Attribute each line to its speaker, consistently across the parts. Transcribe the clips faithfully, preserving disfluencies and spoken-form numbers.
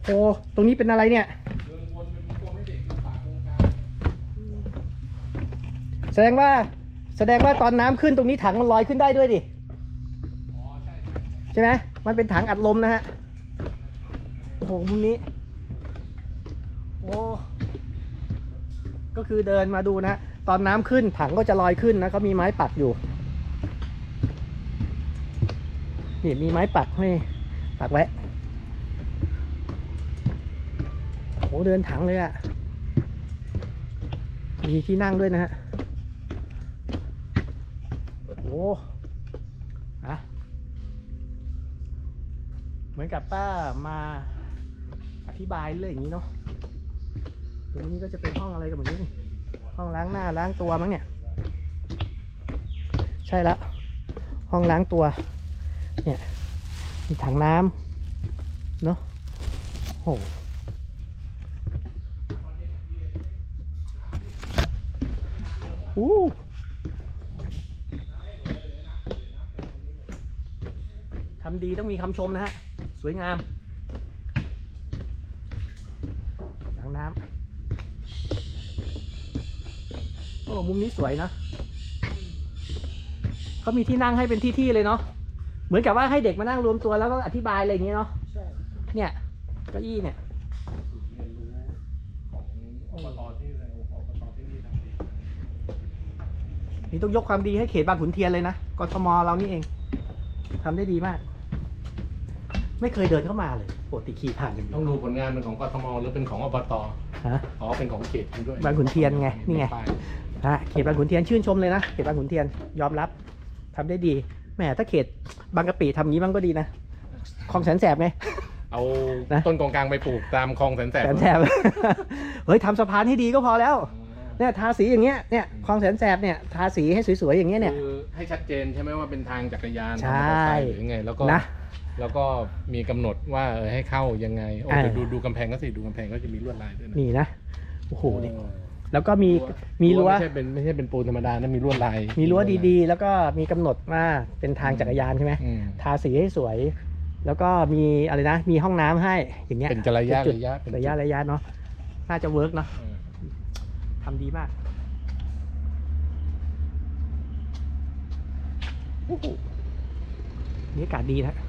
Speaker 1: โอ้ตรงนี้เป็นอะไรเนี่ยแสดงว่าแสดงว่าตอนน้ำขึ้นตรงนี้ถังมันลอยขึ้นได้ด้วยดิใช่ไหมมันเป็นถังอัดลมนะฮะโอ้โหมุมนี้โอ้ก็คือเดินมาดูนะตอนน้ำขึ้นถังก็จะลอยขึ้นนะเขามีไม้ปักอยู่นี่มีไม้ปักให้ปักไว้โอ้เดินถังเลยอะมีที่นั่งด้วยนะฮะโอ้อะเหมือนกับป้ามาอธิบายเรื่องอย่างนี้เนาะตรงนี้ก็จะเป็นห้องอะไรกันแบบนี้ห้องล้างหน้าล้างตัวมั้งเนี่ยใช่แล้วห้องล้างตัวเนี่ยมีถังน้ำเนาะโอ้โหทำดีต้องมีคำชมนะฮะสวยงามถังน้ำโอ้มุมนี้สวยนะเขามีที่นั่งให้เป็นที่ๆเลยเนาะเหมือนกับว่าให้เด็กมานั่งรวมตัวแล้วก็อธิบายอะไรอย่างเงี้ยเนาะเนี่ยเก้าอี้เนี่ยนี่ต้องยกความดีให้เขตบางขุนเทียนเลยนะกทมเรานี่เองทำได้ดีมากไม่เคยเดินเข้ามาเลยปกติขี่ผ่านอย่างเดียว
Speaker 2: ต้องดูผลงานเป็นของกทมหรือเป็นของอบต
Speaker 1: ฮะ
Speaker 2: อ๋อเป็นของเขตด้วย
Speaker 1: บางขุนเทียนไงนี่ไงฮะเขตบางขุนเทียนชื่นชมเลยนะเขตบางขุนเทียนยอมรับทำได้ดีแหมถ้าเขตบางกะปิทำงี้บ้างก็ดีนะคลองแสนแสบไง
Speaker 2: เอาต้นกองกลางไปปลูกตามคลองแสนแสบ
Speaker 1: แสนแสบเฮ้ยทำสะพานให้ดีก็พอแล้วเนี่ยทาสีอย่างเงี้ยเนี่ยคลองแสนแสบเนี่ยทาสีให้สวยๆอย่างเงี้ยเนี่ย
Speaker 2: คือให้ชัดเจนใช่ไหมว่าเป็นทางจักรยาน
Speaker 1: ใช่
Speaker 2: หรือไงแล้วก็
Speaker 1: นะ
Speaker 2: แล้วก็มีกำหนดว่าเออให้เข้ายังไงโอ้ดูดูกำแพงก็สิดูกำแพงก็จะมีลวดลายด้วยนะ
Speaker 1: นี่นะโอ้โหนี่แล้วก็มีมีรั้ว
Speaker 2: ไม่ใช่เป็นไม่ใช่เป็นปูนธรรมดานะมีลวดลาย
Speaker 1: มีรั้วดีๆแล้วก็มีกำหนดว่าเป็นทางจักรยานใช่ไหมทาสีให้สวยแล้วก็มีอะไรนะมีห้องน้ำให้อย่างเงี้ย
Speaker 2: เป็นระยะระยะ
Speaker 1: ระยะระยะเนาะน่าจะเวิร์กเนาะทำดีมากนี่อากาศดีนะ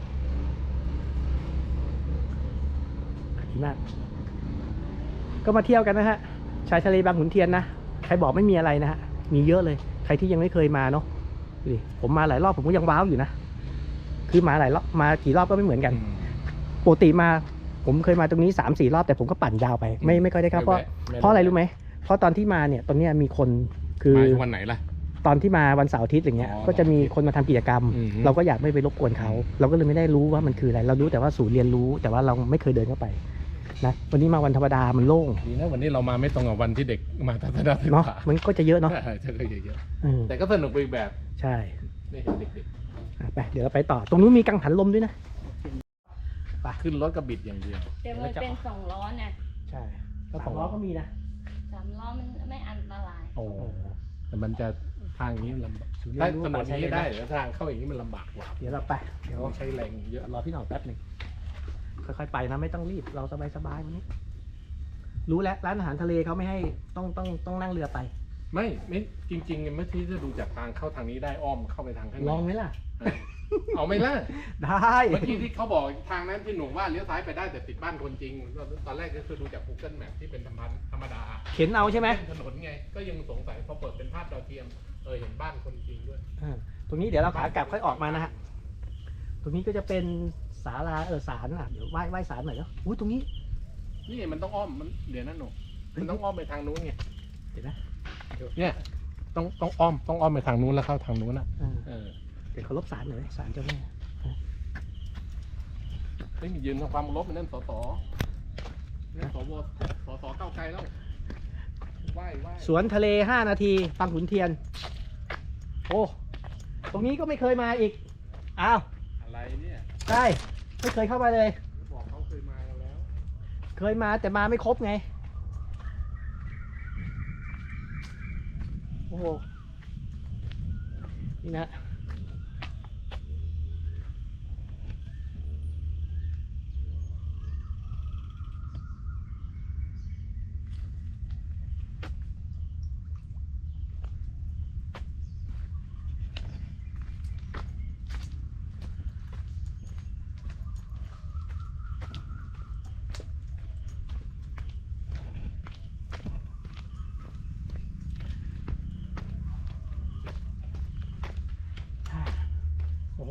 Speaker 1: ดีมากก็มาเที่ยวกันนะฮะชายทะเลบางขุนเทียนนะใครบอกไม่มีอะไรนะฮะมีเยอะเลยใครที่ยังไม่เคยมาเนาะดิผมมาหลายรอบผมก็ยังว้าวอยู่นะคือมาหลายรอบมากี่รอบก็ไม่เหมือนกันปกติมาผมเคยมาตรงนี้ สามสี่ รอบแต่ผมก็ปั่นยาวไปไม่ไม่ค่อยได้ครับเพราะเพราะอะไรรู้ไหมเพราะตอนที่มาเนี่ยตอนนี้มีคนคือ
Speaker 2: วันไหนล่ะ
Speaker 1: ตอนที่มาวันเสาร์อาทิตย์อย่างเงี้ยก็จะมีคนมาทำกิจกรรมเราก็อยากไม่ไปรบกวนเขาเราก็เลยไม่ได้รู้ว่ามันคืออะไรเรารู้แต่ว่าศูนย์เรียนรู้แต่ว่าเราไม่เคยเดินเข้าไปนะวันนี้มาวันธรรมดามันโล่ง
Speaker 2: ดีนะวันนี้เรามาไม่ตรงกับวันที่เด็กมาทัศนศึกษา
Speaker 1: เนาะมันก็จะเยอะเนาะ
Speaker 2: ใช่ก็เยอะๆแต่ก็สนุกไปอีกแบบ
Speaker 1: ใช่
Speaker 2: ได้เห็นเด็ก
Speaker 1: ๆไปเดี๋ยวเราไปต่อตรงนู้นมีกังหันลมด้วยนะ
Speaker 2: ไปขึ้นรถกระบิดอย่างเดียว
Speaker 3: แต่มันเป็นสองล้อเนี่ย
Speaker 1: ใช่ก็สองล้อก็มีนะ
Speaker 3: สามล้อมันไม่อันตราย
Speaker 2: โอ้แต่มันจะทางนี้ลำบากถ้าถนนนี้ได้แต่ทางเข้าอย่างนี้มันลำบากกว่า
Speaker 1: เดี๋ยวเราไป
Speaker 2: เดี๋ยวใช้แรงเยอะ
Speaker 1: รอพี่หน่อยแป๊บหนึ่งค่อยๆไปนะไม่ต้องรีบเราสบายๆวันนี้รู้แล้วร้านอาหารทะเลเขาไม่ให้ต้องต้องต้องนั่งเรือไป
Speaker 2: ไม่ไม่จริงๆเมื่อที่จะดูจากทางเข้าทางนี้ได้อ้อมเข้าไปทางข้างใน
Speaker 1: ลองไหมล่ะ
Speaker 2: เอาไหมล่ะ
Speaker 1: ได้
Speaker 2: เมื่อกี้ที่เขาบอกทางนั้นที่หนูว่าเลี้ยวซ้ายไปได้แต่ติดบ้านคนจริงตอนแรกก็คือดูจาก Google Map ที่เป็นธรรมธรรมดา
Speaker 1: เข็นเอาใช่ไหม
Speaker 2: ถนนไงก็ยังสงสัยพอเปิดเป็นภาพดาวเทียมเออเห็นบ้านคนจริงด้วย
Speaker 1: ตรงนี้เดี๋ยวเราขากลับค่อยออกมานะฮะตรงนี้ก็จะเป็นศาลาเออศาลอ่ะเดี๋ยวไหว้ไหว้ศาลหน่อยเนาะอุ้ยตรงนี้
Speaker 2: นี่มันต้องอ้อมมันเดี๋ยวนั่นหนูมันต้องอ้อมไปทางนู้นไง
Speaker 1: เห็นไหม
Speaker 2: เนี่ยต้องต้องอ้อมต้องอ้อมไปทางนู้นแล้วเข้าทางนู้นอ่ะเออ
Speaker 1: เดี๋ยวเขาลบศาลหน่อยศาลเจ้าแม่
Speaker 2: ไม่มียืนทำความลบมันนั่นสสนั่นสวสสเก้าไกลแล้วไหว้ไหว้
Speaker 1: สวนทะเลห้านาทีบางขุนเทียนโอ้ตรงนี้ก็ไม่เคยมาอีกอ้าว
Speaker 2: อะไรเนี่ย
Speaker 1: ใช่ไม่เคยเข้ามาเลย
Speaker 2: บอกเขาเคยมากันแล้ว
Speaker 1: เคยมาแต่มาไม่ครบไงโอ้โหนี่นะ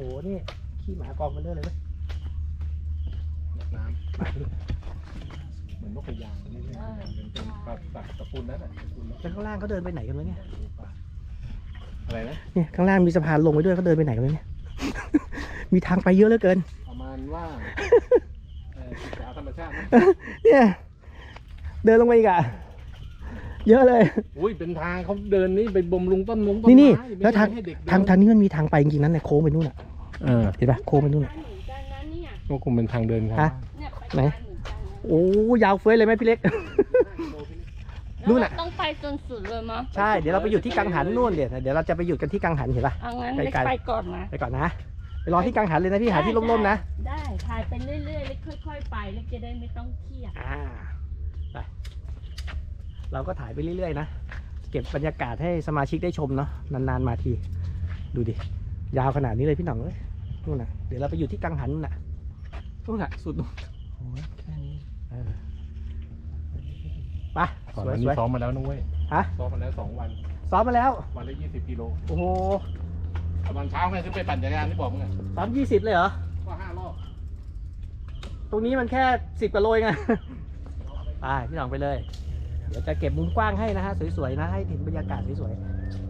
Speaker 1: นี่ขี้หมากองมันเรื่อยเลยเว้ย
Speaker 2: น้ำเหมือนนกกระยางนี่เลยเป็นเป็นปลาสัตว์ตระกูลนั้นแหละตระกูลนก
Speaker 1: แล้วข้างล่างเขาเดินไปไหนกันวะเนี่ย
Speaker 2: อะไรนะ
Speaker 1: เนี่ยข้างล่างมีสะพานลงไปด้วยเขาเดินไปไหนกันวะเนี่ย มีทางไปเยอะเหลือเกิน
Speaker 2: ประมาณว่าเอ่อศึกษาธรรมชาตินะ
Speaker 1: เนี่ย เดินลงไปอีกอะเยอะเลย
Speaker 2: อุ้ยเป็นทางเขาเดินนี่ไปบ่มรุงต้นมงต้น
Speaker 1: นี่นี่
Speaker 2: ไม้
Speaker 1: แล้วทาง
Speaker 2: ไม่ใช่ให้เด็กเดิน
Speaker 1: ทางทางนี้มันมีทางไปจริงๆนั้นเนี่ยโค้งไปนู่นอะ
Speaker 2: เออ
Speaker 1: เห็นปะโค้งไปนู่นอะ
Speaker 3: เหมือนกันนะเนี่ย
Speaker 2: ก็คงเป็นทางเดินครับ
Speaker 1: ฮะ
Speaker 3: เนี่ยไป
Speaker 1: ไหน
Speaker 3: ทางเหมือนกันนะ
Speaker 1: โอ้ยาวเฟ้ยเลยไหมพี่เล็ก นู่น
Speaker 3: แล้ว
Speaker 1: น่ะ
Speaker 3: เราต้องไปจนสุดเลยมั้ง
Speaker 1: ใช่เดี๋ยวเราไปหยุดที่กังหันนู่นเดี๋ยวเดี๋ยวเราจะไปหยุดกันที่กังหันเห็นปะ
Speaker 3: เอางั้น
Speaker 1: ไกลๆ
Speaker 3: ไปก่อนนะ
Speaker 1: ไปก่อนนะไปรอที่กังหันเลยนะพี่หาที่ร่มๆนะ
Speaker 3: ได้ถ่ายไปเรื่อยๆแล้วค่อยๆไปแล้วจะได้ไม่ต้องเครียด
Speaker 1: อ่าไปเราก็ถ่ายไปเรื่อยๆนะเก็บบรรยากาศให้สมาชิกได้ชมเนาะนานๆมาทีดูดิยาวขนาดนี้เลยพี่หน่องเลยนู่นน่ะเดี๋ยวเราไปอยู่ที่กังหันนู่นน่ะนู่นน่ะสุดนู่นโอ้ยแค่นี้เออไป
Speaker 2: ก่อน
Speaker 1: สวย
Speaker 2: วัน
Speaker 1: ส
Speaker 2: นี้
Speaker 1: วย
Speaker 2: ซ้อมมาแล้วนุ้ย
Speaker 1: ฮะ
Speaker 2: ซ้อมมาแล้วสองวัน
Speaker 1: ซ้อมมาแล้ว
Speaker 2: วันละยี่สิบกิโล
Speaker 1: โอ้โห
Speaker 2: ตอนเช้าไงขึ้นไปปั่นจักรยานที่บอกมึงไง
Speaker 1: ซ้อมยี่สิบเลยเหรอ
Speaker 2: ก็ห้ารอบ
Speaker 1: ตรงนี้มันแค่สิบกว่าโลเองอะไปพี่หน่องไปเลย เดี๋ยวจะเก็บมุมกว้างให้นะฮะสวยๆนะให้เห็นบรรยากาศสวยๆ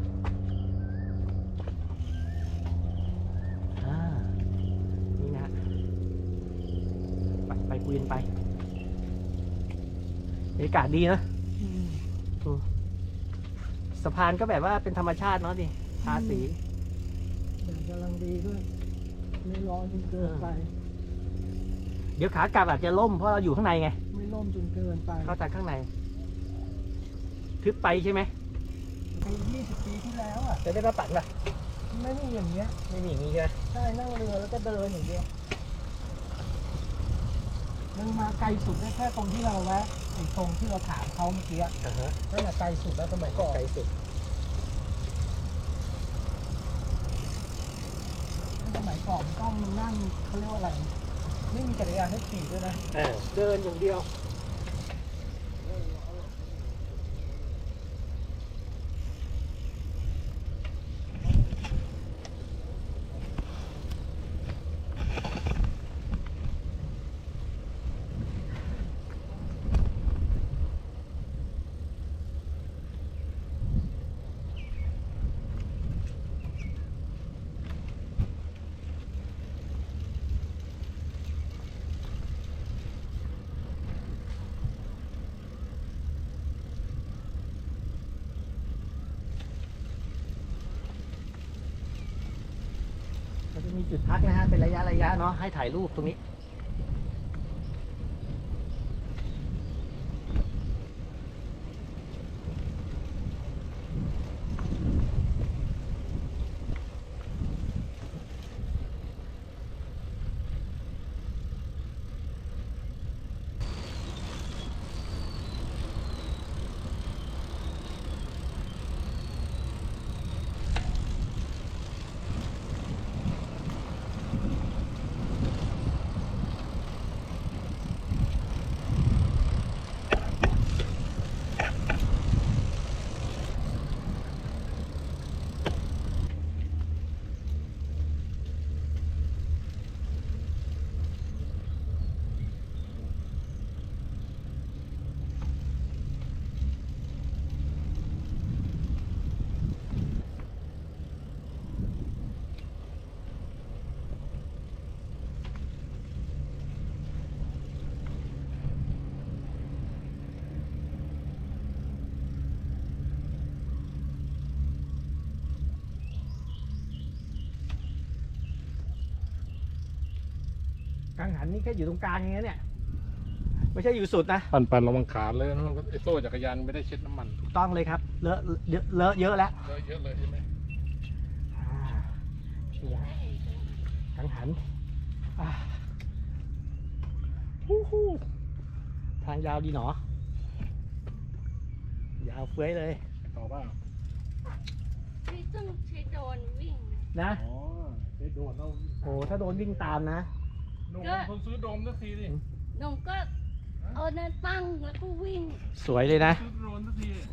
Speaker 1: อ่านี่นะฮะไปไปคุยกันไปบรรยากาศดีนะอืมสะพานก็แบบว่าเป็นธรรมชาติเนาะดิทาสี
Speaker 4: แดดกำลังดีด้วยไม่ร้อนจนเกินไป
Speaker 1: เดี๋ยวขากลับอาจจะล่มเพราะเราอยู่ข้างในไง
Speaker 4: ไม่ร่มจนเกินไป
Speaker 1: เข้าจากข้างในทึบไปใช่ไหม
Speaker 4: ปียี่สิบปีที่แล้วอ่ะ
Speaker 1: จะได้มาปั่นป่ะ
Speaker 4: ไม่มีอย่างเงี้ย
Speaker 1: ไม่มีอย่างนี้ใช่ไหม
Speaker 4: ใช่นั่งเรือแล้วก็เดินอย่างเดียวมันมาไกลสุดได้แค่ตรงที่เราแวะไอ้ตรงที่เราถามเขาเมื่อกี้อะ
Speaker 1: อ่าฮะ
Speaker 4: นั่นแหละไกลสุดแล้วสมัยก่อน
Speaker 1: ไกลสุด
Speaker 4: สมัยก่อนต้องนั่งเขาเรียกว่าอะไรไม่มีจักรยานให้ขี่ด้วยนะ
Speaker 1: เออ
Speaker 4: เดินอย่างเดียว
Speaker 1: ก็จะมีจุดพักนะฮะเป็นระยะระยะเนาะให้ถ่ายรูปตรงนี้กังหันนี่แค่อยู่ตรงกลางอย่างเงี้ยเนี่ยไม่ใช่อยู่สุดนะ
Speaker 2: ปั่นปั่นระวังขาเลยนะไอ้โซ่จักรยานไม่ได้เช็ดน้ำมัน
Speaker 1: ถูกต้องเลยครับเลอะเยอะเลอะเยอะแล้ว
Speaker 2: เลอะเยอะเลยใช่ไหม
Speaker 1: อ่านี่นะกังหันอ่าฮู้ฮู้ทางยาวดีหนอยาวเฟ้ยเลย
Speaker 2: ต่อป่ะ
Speaker 3: พี่ต้องใช้โดรนวิ่ง
Speaker 1: นะ
Speaker 2: อ๋อไอ้โดนเรา
Speaker 1: โอ้ถ้าโดนวิ่งตามนะ
Speaker 2: โดนคนซื้อโดมสักทีดิ
Speaker 3: หนุ่มก็เอานั่นตั้งแล้วก็วิ่ง
Speaker 1: สวยเลยนะ
Speaker 2: ซื้อโดรนสักที